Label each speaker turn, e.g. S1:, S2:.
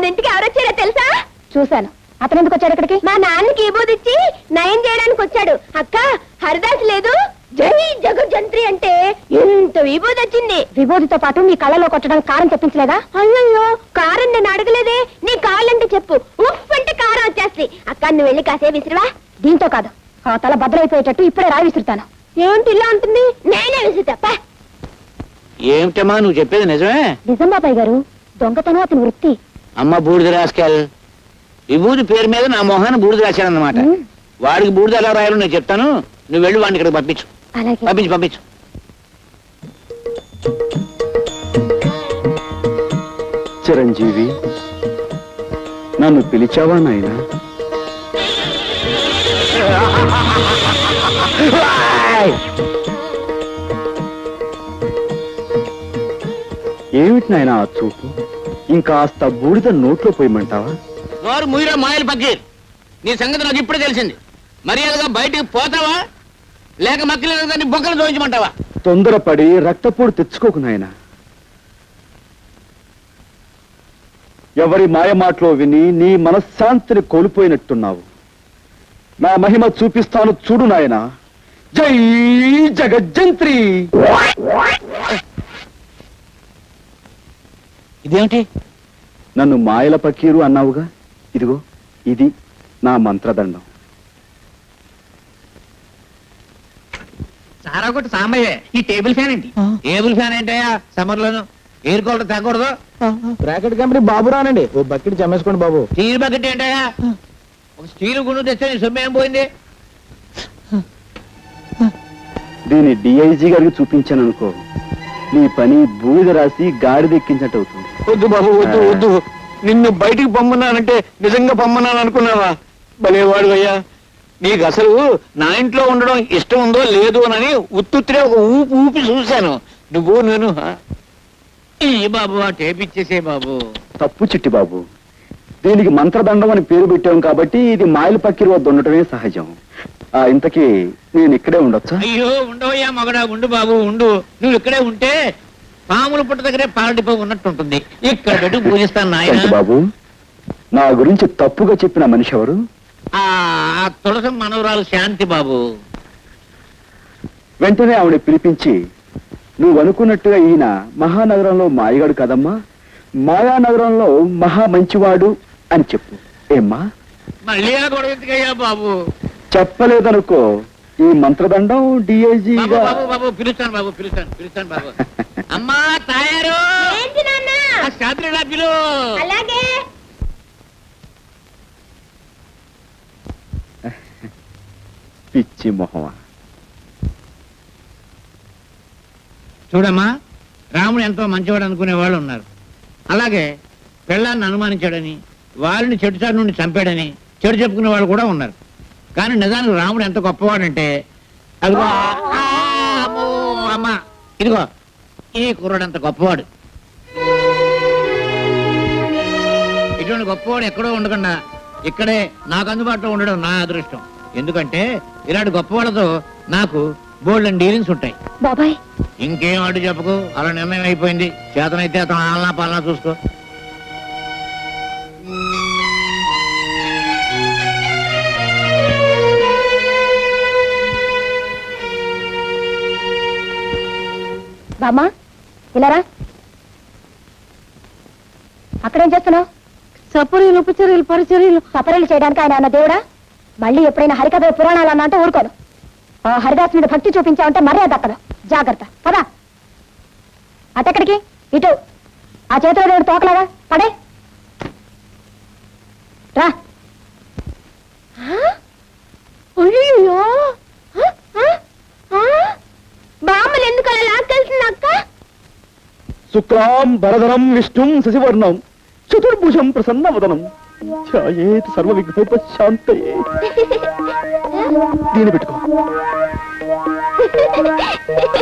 S1: మన ఇంటికి ఎవరొచ్చారో తెలుసా?
S2: చూశాను. అతను ఎందుకు వచ్చాడు ఇక్కడికి?
S1: మా నాన్నకి విభూది ఇచ్చి నయం చేయడానికి వచ్చాడు. అక్క, హరిదాస్ లేదు, జై జగజ్జంత్రి అంటే ఎంత విభూది వచ్చింది.
S2: విభూతితో పాటు మీ కళ్ళలో కొట్టడానికి కారం తెప్పించలేదా?
S1: అయ్యో, కారం నేను అడగలేదే. నీ కాళ్ళంటే చెప్పు, ఉఫ్ అంటే కారం వచ్చేస్తుంది. అక్క, నువ్వు వెళ్ళి కాసే విసిరివా.
S2: దీంతో కాదు, ఆ తల భద్రైపోయేటట్టు ఇప్పుడే రాయి విసురుతాను.
S1: ఏమిటి ఇలా ఉంటుంది? నేనే విసురుతా.
S3: ఏమిటమ్మా నువ్వు చెప్పేది నిజమే?
S2: నిజం బాబాయ్ గారు, దొంగతనం అతని వృత్తి.
S3: అమ్మ బూడిద రాసుకెళ్. విభూతి పేరు మీద నా మొహాన్ని బూడిద రాశానన్నమాట. వాడికి బూడిద ఎలా రాయాలో నేను చెప్తాను, నువ్వు వెళ్ళి వాడిని ఇక్కడికి పంపించు.
S2: అలాగే.
S3: పంపించు.
S4: చిరంజీవి, నన్ను పిలిచావా నాయనా? ఏమిటి నాయనా ఆ చూపు? ఇంకాస్త బూడిద నోట్లో పోయమంటావా?
S3: నోరు ముయిరా మాయలు పక్కీర్, నీ సంగతి నాకు ఇప్పుడే తెలిసింది. మర్యాదగా బయటికి పోతావా లేక మక్కలేదు దాన్ని బొక్కలు చూపించమంటావా?
S4: తొందరపడి రక్తపోటు తెచ్చుకోకు నాయనా. ఎవరి మాయమాటలో విని నీ మనశ్శాంతిని కోల్పోయినట్టున్నావు. నా మహిమ చూపిస్తాను చూడు నాయనా. జై జగజ్జంత్రి.
S3: ఇదేమిటి?
S4: నన్ను మాయల పకీరు అన్నావుగా, ఇదిగో ఇది నా మంత్రదండం.
S3: సారా కొట్టి సాంబయ్యే. ఈ టేబుల్ ఫ్యాన్ ఏంటి? టేబుల్ ఫ్యాన్ ఏంటయ్యా? సమ్మర్ లోను ఎయిర్ కూలర్ తగ్గకూడదు.
S5: బ్రాకెట్ కంపెనీ బాబు రానండి, ఓ బకెట్ చమ్మేసుకోండి బాబు.
S3: స్టీల్ బకెట్ ఏంటయ్యా? ఒక స్టీల్ గుండు తెస్తే నీ సొమ్ము ఏం పోయింది?
S4: దీన్ని డిఐజీ గారికి చూపించాను అనుకో, నీ పని బూడిద రాసి గాడిదెక్కించినట్టు అవుతుంది.
S5: వద్దు బాబు, వద్దు వద్దు. నిన్ను బయటికి పొమ్మన్నానంటే నిజంగా పొమ్మన్నాను అనుకున్నావా? భలేవాడు అయ్యా.
S3: నీకు అసలు నా ఇంట్లో ఉండడం ఇష్టం ఉందో లేదు అని ఉత్తుత్తిరే ఒక ఊపి చూశాను. నువ్వు నేను బాబు ఆ టేప్ ఇచ్చేసే బాబు.
S4: తప్పు చిట్టి బాబు, దీనికి మంత్రదండం అని పేరు పెట్టాం కాబట్టి ఇది మాయల పక్కిరి వద్ద ఉండటమే సహజం. ఇంతకీ నేను ఇక్కడే ఉండొచ్చా?
S3: అయ్యో ఉండవయ్యా మగడా, ఉండు బాబు ఉండు. నువ్వు ఇక్కడే ఉంటే పాముల పుట్ట దగ్గరే పాలడిపో ఉన్నట్టుంటుంది. ఇక్కడ పెట్టి పూజిస్తాను నాయన.
S4: బాబు, నా గురించి తప్పుగా చెప్పిన మనిషి ఎవరు?
S3: ఆ తులసి మనవరాలు శాంతి బాబు.
S4: వెంటనే ఆవిడ పిలిపించి, నువ్వు అనుకున్నట్టుగా ఈయన మహానగరంలో మాయగాడు కదమ్మా, మాయానగరంలో మహా మంచివాడు అని చెప్పు. ఏమ్మా?
S3: మళ్ళీ ఆ గొడవ ఎందుకయ్యా బాబు?
S4: చెప్పలేదనుకో, ఈ మంత్రదండం డిఐజీగా.
S3: బాబు పిలుస్తాను బాబు, పిలుస్తాను బాబు. అమ్మా తయారు శాంతి పిలు.
S1: అలాగే.
S4: పిచ్చి మొహమా.
S3: చూడమ్మా, రాముడు ఎంతో మంచివాడు అనుకునే వాళ్ళు ఉన్నారు. అలాగే పెళ్ళాన్ని అనుమానించాడని, వాళ్ళని చెడుచాటు నుండి చంపాడని చెడు చెప్పుకునే వాళ్ళు కూడా ఉన్నారు. కానీ నిజానికి రాముడు ఎంత గొప్పవాడంటే, అదిగో అమ్మా ఇదిగో ఈ కుర్రాడు అంత గొప్పవాడు. ఇటువంటి గొప్పవాడు ఎక్కడో ఉండకుండా ఇక్కడే నాకు అందుబాటులో ఉండడం నా అదృష్టం. ఎందుకంటే ఇలాంటి గొప్పవాళ్ళతో నాకు బోల్డెన్ డీలింగ్స్ ఉంటాయి.
S2: బాబాయ్,
S3: ఇంకేం అడ్డు చెప్పకు, అలా నిర్ణయం అయిపోయింది. చేతనైతే అతను ఆలనా పాలనా చూసుకో.
S2: బామ్మా ఇలారా. అక్కడేం చేస్తున్నావు?
S1: సపరీలు ఉపచర్యలు పరిచర్యలు.
S2: సపరీలు చేయడానికి ఆయన అన్న దేవుడా? మళ్ళీ ఎప్పుడైనా హరికథ పురాణాలు అన్నా అంటే ఊరుకోను. ఆ హరిదాస్ మీద భక్తి చూపించావంటే మర్యాద అక్కడ. జాగ్రత్త, పదా. అటెక్కడికి? ఇటు. ఆ చేతిలో దేవుడు తోకలాగా పడే రా.
S1: అయ్యో, బామ్మలు ఎందుకు అలా లాక్కెళ్తుంది అక్క?
S4: శుక్లాం భరధరం విష్ణుం శశివర్ణం చతుర్భుజం ప్రసన్నవదనం ఛాయేత్ సర్వ విఘ్నోపశాంతయే. దీని పెట్టుకో.